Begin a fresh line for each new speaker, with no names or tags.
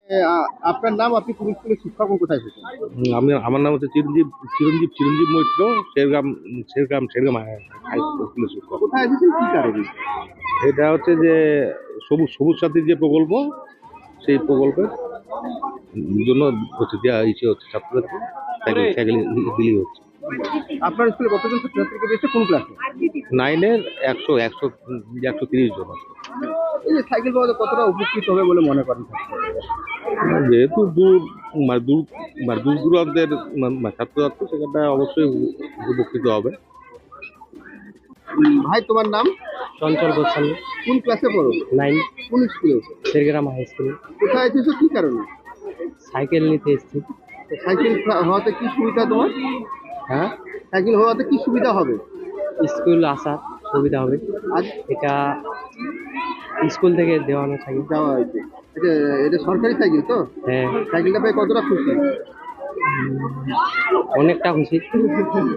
আপনার নাম, আপনি কোন স্কুলের শিক্ষক এবং কোথায় এসেছেন?
আমার নাম হচ্ছে চিরঞ্জীব মৈত্র। শেরগ্রাম হাই স্কুলের শিক্ষক।
কোথায় এসেছেন, কি কারণে?
এটা হচ্ছে যে সবুজ সবুজ সাথীর যে প্রকল্প, সেই প্রকল্পের জন্য হচ্ছে দেওয়া হচ্ছে ছাত্রছাত্রী সাইকেল সাইকেল বিলি হচ্ছে।
আপনার স্কুলে কতজন ছাত্রছাত্রীকে দিয়েছে, কোন ক্লাসে?
9-এর 130 জন আছে।
এই যে সাইকেল পাওয়াতে কতটা উপকৃত হবে বলে মনে করেন ছাত্ররা?
যেহেতু মানে দূর দূর দূরান্তের ছাত্রছাত্রী, সেখানটা অবশ্যই উপকৃত হবে।
ভাই, তোমার নাম?
চঞ্চল গোস্বামী,
কোন ক্লাসে পড়ো?
9,
কোন স্কুলে?
Shergram high school.
কোথায় এসেছো, কি কারণে?
সাইকেল নিতে এসেছি।
সাইকেল হওয়াতে কি সুবিধা তোমার?
হ্যাঁ,
সাইকেল হওয়াতে কি সুবিধা হবে?
স্কুল আসার সুবিধা হবে।
আজ
এটা স্কুল থেকে দেওয়ানো সাইকেল।
যাওয়া হয়েছে। এটা এটা সরকারি সাইকেল তো?
হ্যাঁ,
সাইকেলটা পেয়ে কতটা খুশি?
অনেকটা খুশি।